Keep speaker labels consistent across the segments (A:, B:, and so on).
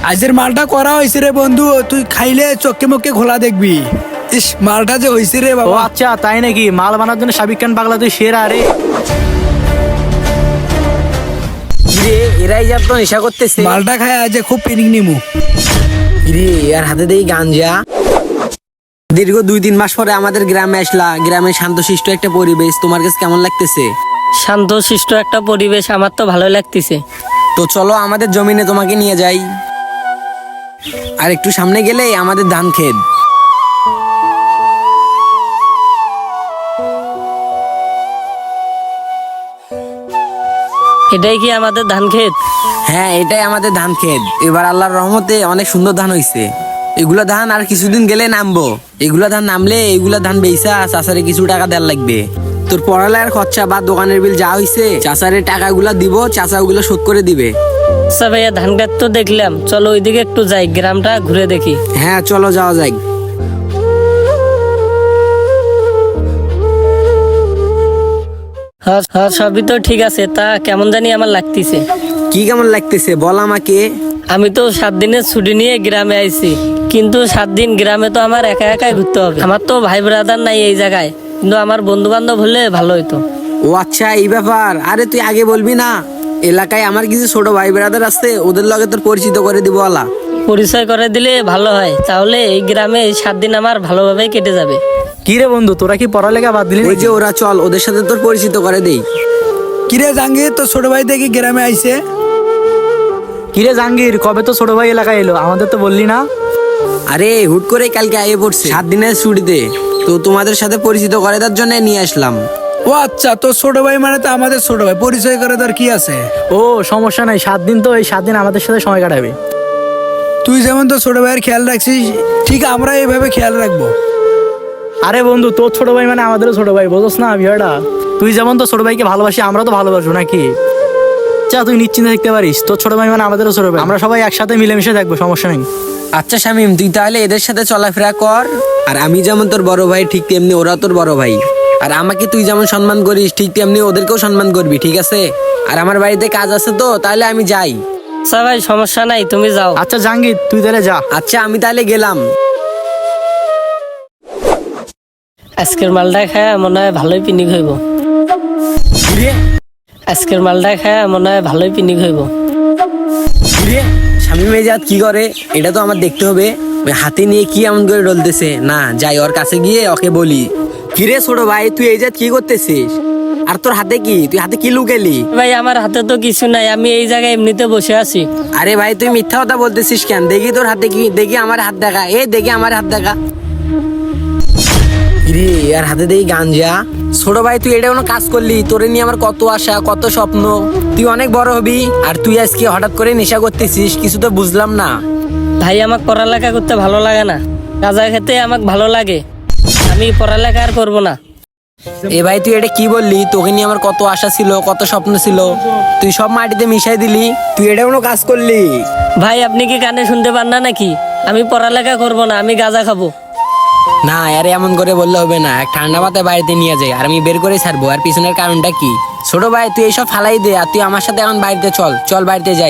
A: আজের মালটা করা হয়েছে রে বন্ধু, তুই খাইলে চোখে মুখে ঘোলা দেখবি। ইস, মালটা যে হয়েছে রে
B: ও
A: বাবা।
B: আচ্ছা, তাই নাকি? মাল বানার জন্য সাবিক খান পাগলা তুই সেরা রে।
C: রে এরাই যা তো নেশা করতেছে।
A: মালটা খায় আজ খুব পিনিক নিমু।
C: রে আর হাতে দেই গাঞ্জা। দীর্ঘ 2-3 মাস পরে আমাদের গ্রামে আসলা। গ্রামে শান্তশিষ্ট একটা পরিবেশ, তোমার কাছে কেমন লাগতেছে?
D: শান্তশিষ্ট একটা পরিবেশ, আমার তো ভালো লাগতেছে।
C: তো চলো আমাদের জমিনে তোমাকে নিয়ে যাই। আর একটু সামনে গেলেই আমাদের ধান ক্ষেত।
D: এটাই কি আমাদের ধান ক্ষেত?
C: হ্যাঁ, এটাই আমাদের ধান ক্ষেত। এবার আল্লাহর রহমতে অনেক সুন্দর ধান হইছে। এগুলা ধান আর কিছুদিন গেলে নামবো। এগুলা ধান নামলে এগুলা ধান বেচা চাষারে কিছু টাকা দেওয়ার লাগবে। তোর পড়ালেখার খরচা বা দোকানের বিল যা হইছে চাষারে টাকাগুলা দিব, চাষা ওগুলো শোধ করে দিবে।
D: আচ্ছা ভাইয়া, ধান ক্ষেত তো দেখলাম, চলো ওইদিকে একটু যাই, গ্রামটা ঘুরে দেখি।
C: হ্যাঁ চলো, যাওয়া যাক।
D: হ্যাঁ হ্যাঁ, সবই তো ঠিক আছে, তা কেমন জানি আমার লাগতেছে।
C: কি কেমন লাগতেছে বল আমাকে।
D: আমি তো 7 দিনের ছুটি নিয়ে গ্রামে আইছি, কিন্তু 7 দিন গ্রামে তো আমার একা একাই ঘুরতে হবে। আমার তো ভাই ব্রাদার নাই এই জায়গায়, কিন্তু আমার বন্ধু বান্ধব হলে ভালো হইতো।
C: ও আচ্ছা, এই ব্যাপার। আরে তুই আগে বলবি না? এলাকায় আমার কিছু ছোট ভাই ব্রাদার আছে, ওদের লগে তোর পরিচিত করে দিব আলা।
D: পরিচয় করে দিলে ভালো হয়, তাহলে এই গ্রামে এই 7 দিন আমার ভালোভাবে কেটে যাবে।
B: কি রে বন্ধু, তোরা কি পড়ালেখা বাদ দিলি
C: ওই
B: নাকি?
C: যে ওরা, চল ওদের সাথে তোর পরিচিত করে দেই।
A: কিরে জাহাঙ্গীর, তো ছোট ভাই দেখি গ্রামে আইছে।
B: কি রে জাহাঙ্গীর, কবে তো ছোট ভাই এলাকায় এলো, আমাদের তো বললি না?
C: আরে হুট করে কালকে আইয়ে পড়ছে 7 দিনের ছুটিতে, তো তোমাদের সাথে পরিচিত করে দেওয়ার জন্য নিয়ে আসলাম।
A: ও আচ্ছা, তো ছোট ভাই মানে তো আমাদের ছোট ভাই, পরিচয় করে তোর কি আছে।
B: ও সমস্যা নাই, 7 দিন তো এই 7 দিন আমাদের সাথে সময় কাটাবে।
A: তুই যেমন তো ছোট ভাইয়ের খেয়াল রাখছিস, ঠিক আমরা এইভাবে খেয়াল রাখবো।
B: আরে বন্ধু, তোর ছোট ভাই মানে আমাদেরও ছোট ভাই, বুঝোস না বিষয়টা? তুই যেমন তো ছোট ভাইকে ভালোবাসি, আমরা তো ভালোবাসবো নাকি? চা, তুই নিশ্চিন্তে দেখতে পারিস, তোর ছোট ভাই মানে আমাদেরও ছোট ভাই, আমরা সবাই একসাথে মিলেমিশে থাকবো, সমস্যা নেই।
C: আচ্ছা শামিম, তুই তাহলে এদের সাথে চলাফেরা কর। আর আমি যেমন তোর বড় ভাই, ঠিক তেমনি ওরা তোর বড় ভাই। আর আমাকে তুই যেমন সম্মান করিস, ঠিক তেমনি ওদেরকেও সম্মান করবি, ঠিক আছে? আর আমার বাড়িতে কাজ আছে, তো তাহলে আমি যাই।
D: আচ্ছা ভাই, সমস্যা নাই, তুমি যাও।
B: আচ্ছা জাহাঙ্গীর, তুই তাহলে যা।
C: আচ্ছা, আমি তাহলে গেলাম।
D: আজকের মালটা খায় মনে হয় ভালোই পিনিক হইব। আজকের মালটা খায় মনে হয় ভালোই পিনিক হইব।
C: শামিম এজাত কি করে এটা তো আমার দেখতে হবে। ওই হাতে নিয়ে কি এমন করে ডলতেছে না, যাই ওর কাছে গিয়ে ওকে বলি। কিরে ছোট ভাই, তুই এজাত কি করতেছিস? আর তোর হাতে কি? তুই হাতে কি লুকেলি?
D: ভাই আমার হাতে তো কিছু নাই, আমি এই জায়গায় এমনিতে বসে আছি।
C: আরে ভাই, তুই মিথ্যা কথা বলতেছিস কেন? দেখি তোর হাতে কি, দেখি আমার হাত দেখা। দেখি আমার হাত দেখা। রে আর হাতে দেখি গাঞ্জা। ছোট ভাই, তুই এটা কোনো কাজ করলি? তোরে নিয়ে আমার কত আশা, কত স্বপ্ন। তুই অনেক বড় হবি, আর তুই আজকে হঠাৎ করে নেশা করতেছিস, কিছু তো বুঝলাম না।
D: ভাই আমার পড়ালেখা করতে ভালো লাগে না, গাঁজা খেতে আমাকে ভালো লাগে, আমি পড়ালেখা আর করবো না।
C: এ ভাই, তুই এটা কি বললি? তোকে নিয়ে আমার কত আশা ছিল, কত স্বপ্ন ছিল, তুই সব মাটিতে মিশাই দিলি। তুই এটা কোনো কাজ করলি?
D: ভাই আপনি কি কানে শুনতে পান না নাকি? আমি পড়ালেখা করবো না, আমি গাঁজা খাবো।
C: না আরে, এমন করে বললে হবে না। এক ঠান্ডা মাথায় বাড়িতে নিয়ে যাই, আর আমি বের করে ছাড়বো। আর পিছনের কারণটা কি? ছোট ভাই, তুই এইসব ফালাই দে, আর তুই আমার সাথে এখন বাড়িতে চল। চল বাড়িতে যাই।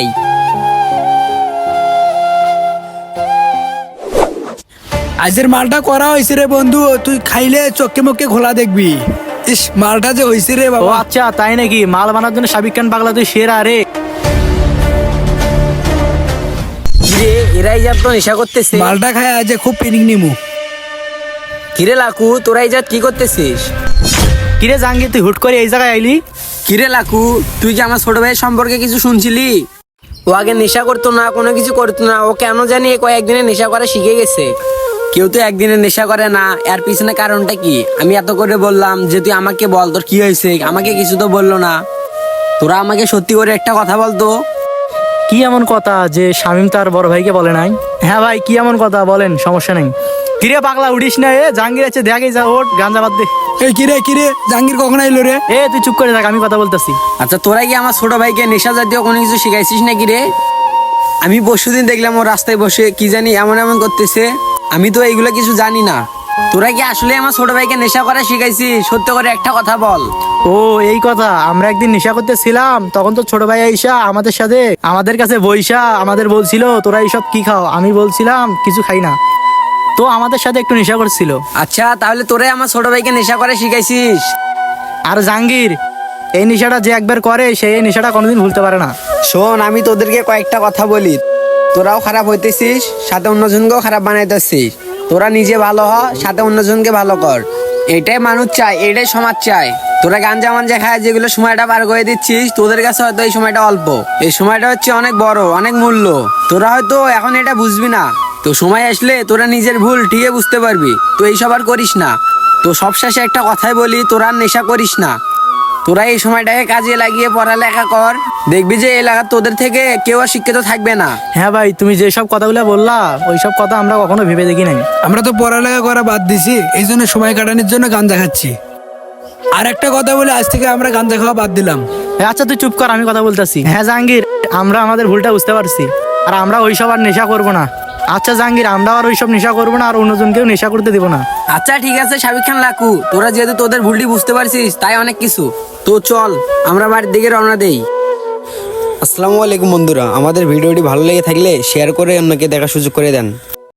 A: আজের মালটা করা হয়েছে রে বন্ধু, তুই খাইলে চোখে মুখে ঘোলা দেখবি। ইস, মালটা যে হয়েছে রে
B: ও
A: বাবা।
B: আচ্ছা, তাই নাকি? মাল বানার জন্য সাবিক খান পাগলা তুই সেরা রে।
C: কিরে এরাই যা তো নেশা করতেছে।
A: মালটা খায় আজ খুব পিনিক নিমু।
C: কিরে লাকু, তোরাই যা কি করতেছিস?
B: কিরে জাহাঙ্গীর, তুই হুট করে এই জায়গায় আইলি?
C: কিরে লাকু, তুই কি আমার ছোট ভাইয়ের সম্পর্কে কিছু শুনছিলি? ও আগে নেশা করতো না, কোনো কিছু করতো না। ও কেন জানি কয়েকদিনে নেশা করা শিখে গেছে। কেউ তো একদিনে নেশা করে না। এর পিছনে কারণটা কি? আমি এত করে বললাম যে তুই আমাকে বল তোর কি হয়েছে, আমাকে কিছু তো বললো না। তোরা আমাকে সত্যি করে একটা কথা বলতো।
B: কি এমন কথা যে শামিম তার বড় ভাইকে বলে নাই? হ্যাঁ ভাই, কি এমন কথা বলেন, সমস্যা নেই। কিরে পাগলা, উঠিস না? জাহাঙ্গীর আছে, দেখে যা, ওঠ, গাঞ্জা বাদ দে।
A: এই কিরে কিরে, জাহাঙ্গীর কখন আইলো রে?
B: তুই চুপ করে থাক, আমি কথা বলতেছি।
C: আচ্ছা, তোরা কি আমার ছোট ভাইকে নেশা জাতীয় কোনো কিছু শিখাইছিস নাকি রে? আমি পরশুদিন দেখলাম ও রাস্তায় বসে কি জানি এমন এমন করতেছে। আমি তো এইগুলো কিছু জানি না। তোরা কি আসলে আমার ছোট ভাইকে নেশা করা শিখাইছিস? সত্য করে একটা কথা বল।
B: ও এই কথা, আমরা একদিন নেশা করতেছিলাম, তখন তো ছোট ভাই আইসা আমাদের সাথে আমাদের কাছে বইসা আমাদের বলছিল তোরা এইসব কি খাও, আমি বলছিলাম কিছু খাই না, তো আমাদের সাথে একটু নেশা করছিল।
C: আচ্ছা, তাহলে তোরাই আমার ছোট ভাইকে নেশা করা শিখাইছিস?
B: আর জাহাঙ্গীর, এই নেশাটা যে একবার করে সেই এই নেশাটা কোনোদিন ভুলতে পারে না।
C: শোন, আমি তোদেরকে কয়েকটা কথা বলি। তোরাও খারাপ হইতেছিস, সাথে অন্যজনকেও খারাপ বানাইতেছিস। তোরা নিজে ভালো হ, সাথে অন্যজনকে ভালো কর। এটাই মানুষ চায়, এটাই সমাজ চায়। তোরা গাঞ্জা মাঞ্জা খায় যেগুলো সময়টা পার করে দিচ্ছিস, তোদের কাছে হয়তো এই সময়টা অল্প, এই সময়টা হচ্ছে অনেক বড়, অনেক মূল্য। তোরা হয়তো এখন এটা বুঝবি না, তো সময় আসলে তোরা নিজের ভুল ঠিকই বুঝতে পারবি। তো এইসব আর করিস না। তো সবশেষে একটা কথাই বলি, তোরা আর নেশা করিস না। তোরা এই সময়টাকে কাজে লাগিয়ে পড়ালেখা কর, দেখবি যে এলাকার তোদের থেকে কেউ আর শিক্ষিত থাকবে না।
B: হ্যাঁ ভাই, তুমি যেসব কথাগুলো বললা ওইসব কথা আমরা কখনো ভেবে দেখি নাই।
A: আমরা তো পড়ালেখা করা বাদ দিছি, এই জন্য সময় কাটানোর জন্য গাঁজা খাচ্ছি। আর একটা কথা বলে, আজ থেকে আমরা গাঁজা খাওয়া বাদ দিলাম।
B: আচ্ছা তুই চুপ কর, আমি কথা বলতেছি। হ্যাঁ জাহাঙ্গীর, আমরা আমাদের ভুলটা বুঝতে পারছি, আর আমরা ওইসব আর নেশা করবো না। আচ্ছা জাহাঙ্গীর, আমরা আর ওইসব নেশা করবো না, আর অন্যজনকেও নেশা করতে দিব না।
C: আচ্ছা ঠিক আছে শাবিক খান লাকু, তোরা যেহেতু তোদের ভুলটি বুঝতে পারছিস, তাই অনেক কিছু। তো চল আমরা বাড়ির দিকে রওনা দেই। আসসালামু আলাইকুম বন্ধুরা, আমাদের ভিডিওটি ভালো লেগে থাকলে শেয়ার করে অন্যকে দেখার সুযোগ করে দেন।